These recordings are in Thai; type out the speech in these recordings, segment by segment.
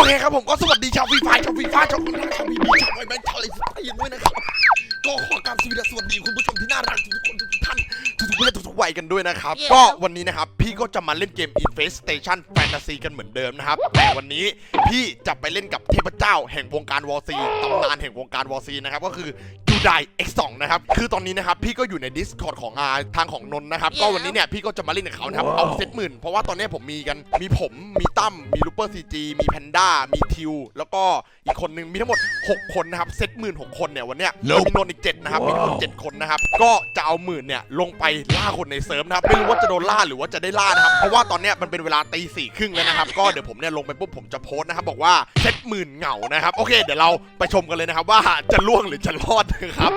เคครับผมก็สวัสดีชาวฟรีไฟชาวฟรีไฟชาวคนรักชาวบีบีชาวไอแบงค์ชาวอะไรสักอย่างด้วยนะครับก็ขอกราบสวัสดีคุณผู้ชมที่น่ารักทุกคนทุกท่านทุกเพศทุกวัยกันด้วยนะครับก็วันนี้นะครับพี่ก็จะมาเล่นเกม Infestation Fantasy กันเหมือนเดิมนะครับแต่วันนี้พี่จะไปเล่นกับเทพเจ้าแห่งวงการวอร์ซีตำนานแห่งวงการวอร์ซีนะครับก็คือยูได X2 นะครับคือตอนนี้นะครับพี่ก็อยู่ใน Discord ของทางของนนท์นะครับก็วันนี้เนี่ยพี่ก็จะมาเล่นกับเขานะครับเอาเซตหมื่นเพราะว่าตอนนี้ผมมีผมมีตั้มมีลูเปอร์ซีจีมีแพนด้ามีทิวแล้วก็อีกคนนึงมีทั้งหมด6คนนะครับเซตหมื่น6คนเนี่ยวันเนี้ยมีนนท์อีก7นะครับมีทั้งหมด7คนนะครับก็จะเอาหมื่นเนี่ยลงไปล่าคนในเซิร์ฟนะครับไม่รู้ว่าจะโดนล่าหรือว่าจะได้ล่านะครับเพราะว่าตอนเนี้ยมันเป็นเวลาตีสี่ครึ่งแล้วนะครับก็เดี๋ยวผมเนี่ยลงไปปุ๊บผมจะโพสต์นะครับบอกว่าเซตหมื่นเหงานะครับโอเคเดี๋ยวเราไปชมกันเลยนะครับว่าจะล่วงหรือจะรอดนะครับ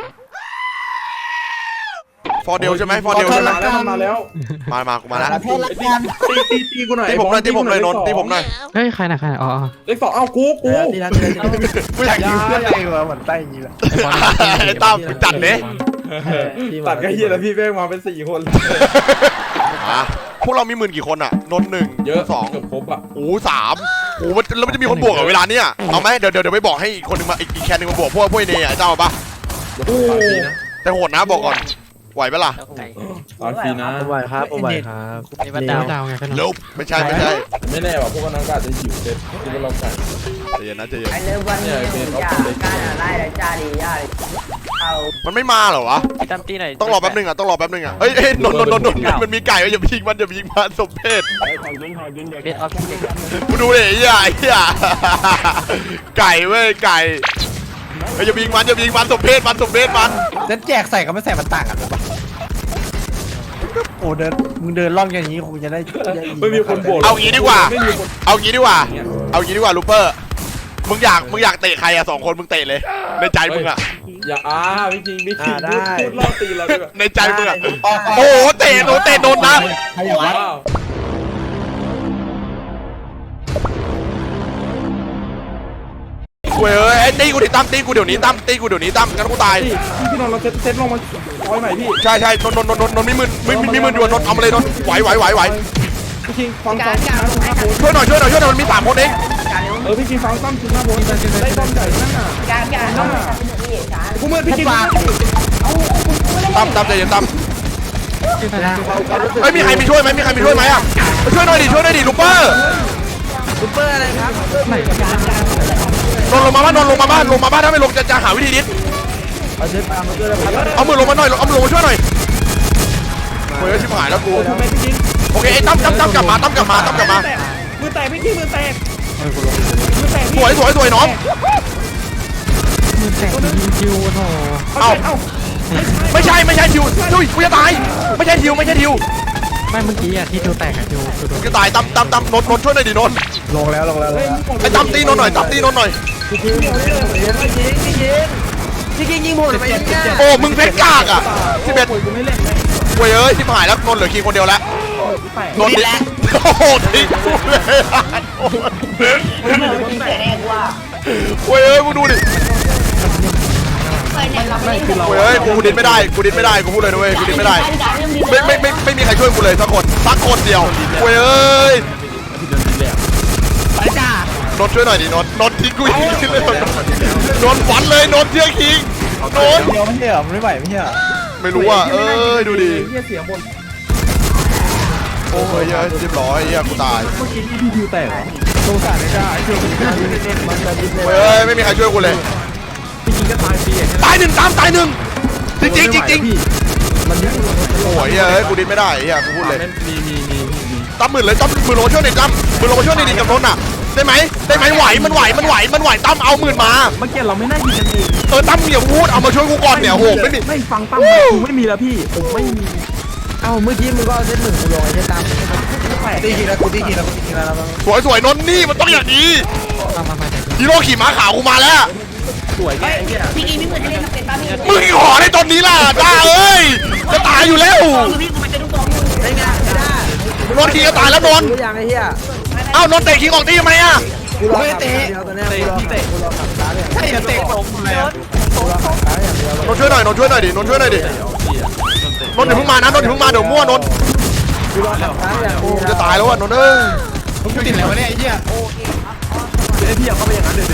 ฟอร์เดลใช่ไหมฟอร์เดลใช่ไหมมาแล้วมากูมาแล้วตีกูหน่อยตีผมเลยนนตีผมหน่อยเฮ้ยใครนะอ๋อเล็กสองเอากูตีนะไม่อยากยิงเพื่อนอะไรวะเหมือนใต้ยีแหละไอ้ตั้มจัดเลยตัดกันเฮียแล้วพี่แม่งมาเป็น4คนพวกเรามีหมื่นกี่คนอ่ะนนหนึ่งเยอะ 2 เกือบครบอ่ะโอ้3โอ้แล้วมันจะมีคนบวกกับเวลาเนี้ยเอาไหมเดี๋ยวไปบอกให้อีกคนนึงมาอีกแคนนึงมาบวกพวกเนยเจ้าปะแต่โหดนะบอกก่อนไหวปะล่ะตอนฟีนะผมไหวครับผมไหวครับนี่มันดาวไงพี่น้องไม่ใช่ไม่แน่ว่ะพวกนั้นก็อาจจะหิวเซ็ตที่เราใส่ใจเย็นนะใจเย็นไอเลิฟวันนี้อย่าการอะไรเลยจ้าดีย่าเอามันไม่มาเหรอวะตั้มตีไหนต้องรอแป๊บนึงอ่ะเฮ้ยนนมันมีไก่อย่าไปยิงมันสมเพศกูดูเลยไอ้เหี้ยไก่เว้ยไก่อย่ายิงมันสมเพศมันฉันแจกใส่กับไม่ใส่มันต่างกันหรือเปล่าโอ้มึงเดินล่องอย่างนี้คงจะได้ไม่มีคนโบกเอางี้ดีกว่าลูเปอร์มึงอยากเตะใครอะ2คนมึงเตะเลยในใจมึงอะอย่าไม่จริงพูดล่อตีเราในใจมึงอะโอ้เตะโดนนะเว้ยตีกูดิตั้มตีกูเดี๋ยวนี้ตั้มกันกูตายพี่นนท์เราเซตลงมาร้อยใหม่พี่ใช่นนมีมืออยู่นนเอามาเลยนนไหวพี่คิงฟังซ้อมช่วยหน่อยมันมี3คนเองพี่คิงฟังซ้อมถึงหน้าบนได้ต้อมใหญ่นั่นน่ะกูเมื่อพี่คิงตั้มใจเย็นตั้มเฮ้ยมีใครมีช่วยไหมอ่ะไปช่วยหน่อยดิลูเปอร์อะไรครับนนลงมาบ้านถ้าไม่ลงจะหาวิธีดิสเอามือลงมาหน่อยเอามือลงมาช่วยหน่อยโอ้ยชิบหายแล้วกูโอเคไอ้ตั้มกลับมามือแตกพี่คิงมือแตกสวยน้องมือแตกยิงคิวโถเอ้าไม่ใช่ทิวกูจะตายไม่ใช่ทิวไม่เมื่อกี้อะที่ทิวแตกอะทิวจะตายตั้มนนช่วยหน่อยดินนลงแล้วไอ้ตั้มตีนนหน่อยพี่ยิงหมดไปโอ้มึงเพชรกากอ่ะ11เว้ยชิบหายแล้วนนเหลือคิงคนเดียวแล้วนนดิโอ้โหทิ้งกูเลยเว้ยมึงดูดิเฮ้ยกูดินไม่ได้กูพูดเลยนะเว้ยกูดินไม่ได้ไม่มีใครช่วยกูเลยสักคนเดียวเว้ยไปจ้านนช่วยหน่อยดินนทิ้งกูอีกเลยนนฝันเลยนนเที่ยงคิงนนเดียวไม่ใช่เหรอไม่ไหวไม่ใช่เหรอไม่รู้อ่ะดูดิเสียงบนโอ้ยเรียบร้อยกูตายเมื่อกี้พี่ดิวแตกสงสารไม่ได้ไอ้เจ้าเฮ้ยไม่มีใครช่วยกูเลยพี่กินก็ตายหนึ่งตายหนึ่งจริงโอ้ยกูดิ้นไม่ได้กูพูดเลยตั้มหมื่นเลยตั้มมือลงช่วยหน่อยตั้มมือลงมาช่วยหน่อยดิกับนนท์อ่ะได้ไหมไหวมันไหวตั้มเอาหมื่นมาเมื่อกี้เราไม่น่ายิงกันเองตั้มอย่าพูดเอามาช่วยกูก่อนเนี่ยโหไม่ฟังตั้มกูไม่มีแล้วพี่ผมไม่มีเอ้าเมื่อกี้มึงก็เส้นหนึ่งกูลงไอ้เส้นตามตีทีละสวยนนนี่มันต้องอย่างนี้ฮีโร่ขี่ม้าขาวกูมาแล้วสวยแกพี่กีไม่เหมือนเล่นเป็นป้าพี่มึงขอในตอนนี้ล่ะจ้าเอ้ยจะตายอยู่แล้วนนขี่จะตายแล้วนนเอ้านนเตะขี่ของตีทำไมอ่ะกูรอเตะใช่เตะนนช่วยหน่อยดินนอย่าเพิ่งมานะนนอย่าเพิ่งมาเดี๋ยวมั่วนนจะตายแล้วอ่ะนนมึงติดแล้วเนี่ยไอ้เหี้ยพี่เอาเข้าไปอย่างนั้นเดี๋ยว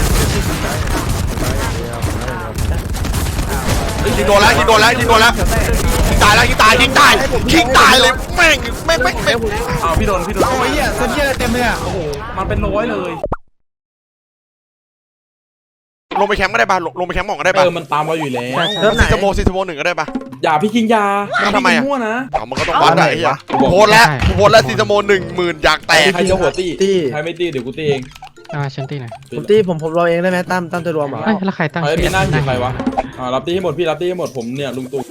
ยิงโดนแล้วยิงโดนแล้วยิงโดนแล้วยิงตายแล้วยิงตายยิงตายยิงตายเลยแม่งเอาพี่โดนโอ้ยเซนเจอร์เต็มเลยอ่ะโอ้โหมันเป็นร้อยเลยลงไปแคมป์ก็ได้ป่ะลงไปแคมป์หมองก็ได้ป่ะมันตามเราอยู่แล้วซีสโม1ก็ได้ป่ะอย่าพี่คิงยาทำไมอ่ะมั่วนะมันก็ต้องวัดได้ไอ้โพสแล้วซีสโม10,000อยากแตกใครจะหัวตีใครไม่ตีเดี๋ยวกูตีเองฉันตีหน่อยผมตีผมรอเองได้ไหมตั้มตัวรวมเหรอเฮ้ยแล้วใครตั้งเฮ้ยมีหน้าที่ใครวะรับตีให้หมดพี่รับตีให้หมดผมเนี่ยลุงตู่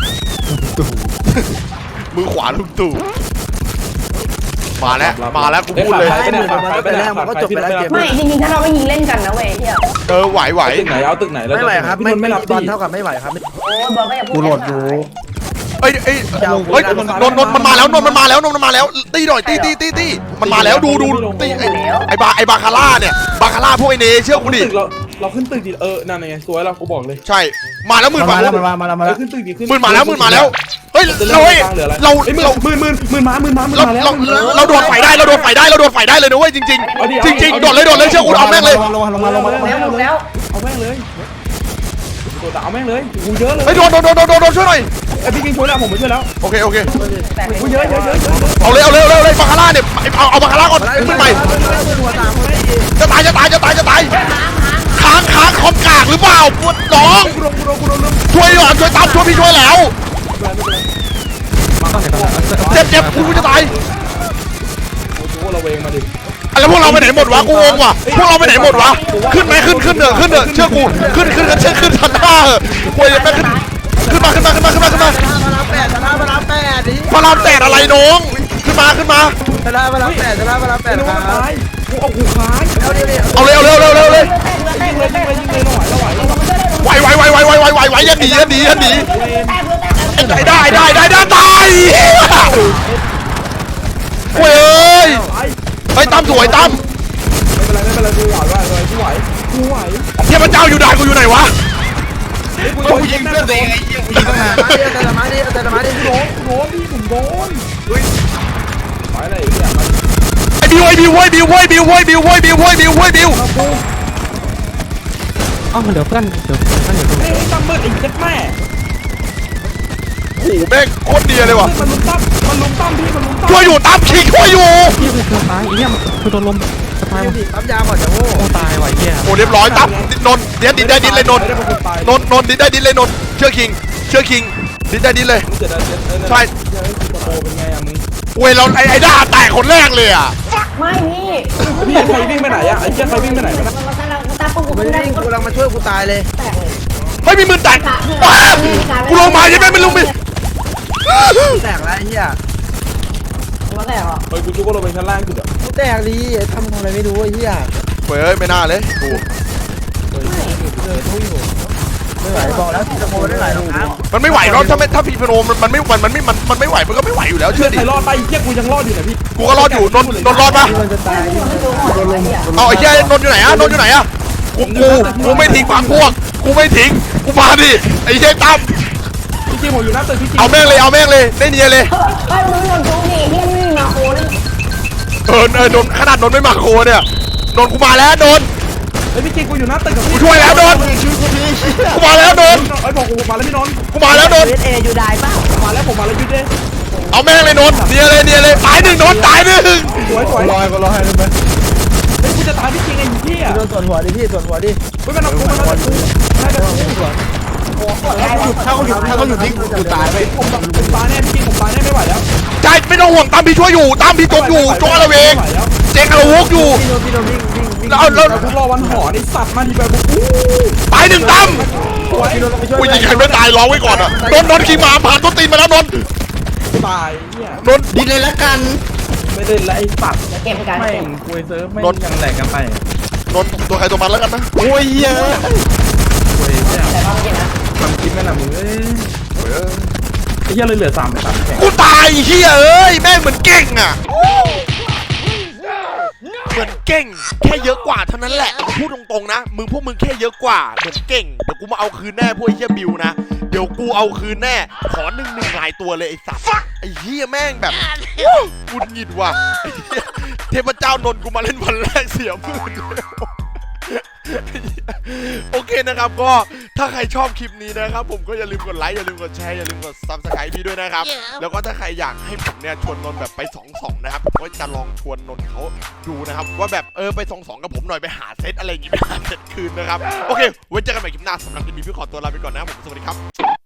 มือขวาลุงตู่มาแล้วกูพูดเลยมันก็จบไปแล้วเกมไม่จริงๆถ้าเราไม่ยิงเล่นกันนะเว้ยเที่ยไหวตึกไหนเอาตึกไหนแล้วไม่ไหวครับไม่รับบอลเท่าเท่ากับไม่ไหวครับโอ้ยบอลก็อย่าพูดกูโหลดอยู่เฮ้ยนนมันมาแล้วมันมาแล้วตีหน่อยตีมันมาแล้วดูตีไอ้บาคาร่าเนี่ยบาคาร่าพวกไอ้เนเชื่อกูดิเราขึ้นตึกดินั่นไงสวยเรากูบอกเลยใช่มาแล้วหมื่นมาแล้วขึ้นตึกดิขึ้นหมื่นมาแล้วเฮ้ยเราเราโดนไฟได้เราโดนไฟได้เลยนะเว้ยจริงโดนเลยเชื่อกูเอาแม่งเลยแล้วเอาแม่งเลยตัวเอาแม่งเลยกูเยอะเลยเฮ้ยโดนช่วยหน่อยไอพี่กินช่วยแล้วผมไม่ช่วยแล้วโอเคกูเยอะเอาเลยบาคาร่าเนี่ยเอาบาคาร่าก่อนขึ้นไปจะตายค้างคอมกากหรือเปล่าปวดน้องช่วยตามช่วยพี่ช่วยแล้วเจ็บกูจะตายกูเราเวงมาดิแล้วพวกเราไปไหนหมดวะกูงงว่ะพวกเราไปไหนหมดวะขึ้นไหมขึ้นเถอะเชื่อกูขึ้นทันท่าเหอะกูยังไม่ขึ้นมาพระราม8อะไรน้องขึ้นมาพระราม8 กูเอากูค้างเอาเลยยิงเลยหน่อยเราไหวยันหนีได้ตายเว้ยไอ้ตั้มสวยตั้มไม่เป็นไรกูไหวเทพเจ้าอยู่ด่านกูอยู่ไหนวะกูยิงเพื่อนเองแต่มาดิโดนพี่ผมโดนไปอะไรเนี่ยไอ้บิวอ๋อเดี๋ยวเพื่อนอยู่ตรงนี้ตั้มมืดอีกเจ็ดแม่โอ้โหแม่งโคตรเดียเลยว่ะมันลุมตั้มพี่มันลุมตั้มช่วยอยู่ตั้มคิงช่วยอยู่พี่คือตายเนี่ยคือโดนลมตายปั๊มยาก่อนจะโง่ตายว่ะเหี้ยโอ้เรียบร้อยตั้มนนเดี๋ยวดินได้ดินเลยนนดินได้ดินเลยนนเชื่อคิงดินได้ดินเลยใช่โตเป็นไงอะมึงเว้ยเราไอ้ด้าแตกคนแรกเลยอ่ะไม่พี่พี่ใครวิ่งไปไหนอะไอ้เจ้าใครวิ่งไปไหนวะตาปุ๊บกูไม่ได้กูกำลังมาช่วยกูตายเลยไม่มีมือแตกกูลงมาใช่ไหมไม่ลงไปแตกแล้วไอ้เหี้ยมาแต่หรอเฮ้ยกูจุกก็ลงไปชั้นล่างสุดอะกูแตกดีทำอะไรไม่รู้ไอ้เหี้ยเฮ้ยไม่น่าเลยกูไม่ไหวบอกแล้วจะโง่ได้หลายรองเท้ามันไม่ไหวหรอกถ้าพีพโนมันไม่ไหวมันก็ไม่ไหวอยู่แล้วเชื่อดิใครรอดไปเจ้ากูยังรอดอยู่นะพี่กูก็รอดอยู่นนรอดปะมันจะตายเอาไอ้เหี้ยนนอยู่ไหนอะกูไม่ทิ้งฝังพวกกูไม่ทิ้งกูมาดิไอ้เหี้ยตั้มพี่จีผมอยู่หน้าตึกพี่จีเอาแม่งเลยได้เนียเลยเฮ้ยมึงหล่นตรงนี้ที่ไม่มาโคนนนขนาดนนไม่มาโคเนี่ยนนกูมาแล้วนนไอ้พี่จีกูอยู่หน้าตึกกับกูพี่ช่วยแล้วนนกูมาแล้วนนไอ้บอกกูมาแล้วพี่นนท์กูมาแล้วนนเออยู่ได้ป่ะมาแล้วผมมาแล้วยุดเลยเอาแม่งเลยนนเนียเลยตายหนึ่งนนตายหนึ่งสวยรอให้ได้ไหมเฮ้ยกูจะตายพี่จีไอ้พี่อะโดนส่วนหัวดิพี่ส่วนหัวดิเฮ้ยมันเอากูถ้าเขาหยุดนี่กูตายไปผมตายแน่พี่จีผมตายแน่ไม่ไหวแล้วใช่ไม่ต้องห่วงตั้มพี่ช่วยอยู่ตั้มพี่จมอยู่จงอะไรเองเจ๊งอะไรวกอยู่พี่โดนวิ่งแล้วกูรอวันหอนี่สัตว์มาดีแบบกูตายหนึ่งตั้มพี่โดนไปช่วยกูยิงใครไม่ตายร้องไว้ก่อนอ่ะนนขี่ม้าผ่านต้นตีนมาแล้วนนตายเนี่ยนนดินเลยละกันไม่เล่นแล้วไอ้สัตว์เก็บกันแม่งคุยเซิร์ฟไม่ยังแหลกกันไปนนตัวใครตัวมันแล้วกันนะโอ้ยเยอะคุยเนี่ยแต่ว่าไม่กินนะทำคลิปแม่น่ะมึงเอ้ยไอ้เหี้ยเลยเหลือ3แข่งกูตายเฮียเอ้ยแม่งเหมือนเก่งอ่ะเหมือนเก่งแค่เยอะกว่าเท่านั้นแหละพูดตรงๆนะพวกมึงแค่เยอะกว่าเหมือนเก่งเดี๋ยวกูมาเอาคืนแน่พวกไอ้เฮียบิวนะเดี๋ยวกูเอาคืนแน่ขอหนึ่งหลายตัวเลยไอ้สัตว์ไอ้เฮียแม่งแบบกูหงิดว่ะเทพเจ้านนกูมาเล่นวันแรกเสียมือโอเคนะครับก็ถ้าใครชอบคลิปนี้นะครับผมก็อย่าลืมกดไลค์อย่าลืมกดแชร์อย่าลืมกด Subscribe พี่ด้วยนะครับแล้วก็ถ้าใครอยากให้ผมเนี่ยชวนนนท์แบบไป2-2นะครับผมก็จะลองชวนนนท์เขาดูนะครับว่าแบบไป2-2กับผมหน่อยไปหาเซตอะไรอย่างงี้ไปหาเซตคืนนะครับโอเคไว้เจอกันใหม่คลิปหน้าสำหรับคลิปนี้พี่ขอตัวลาไปก่อนนะครับผมสวัสดีครับ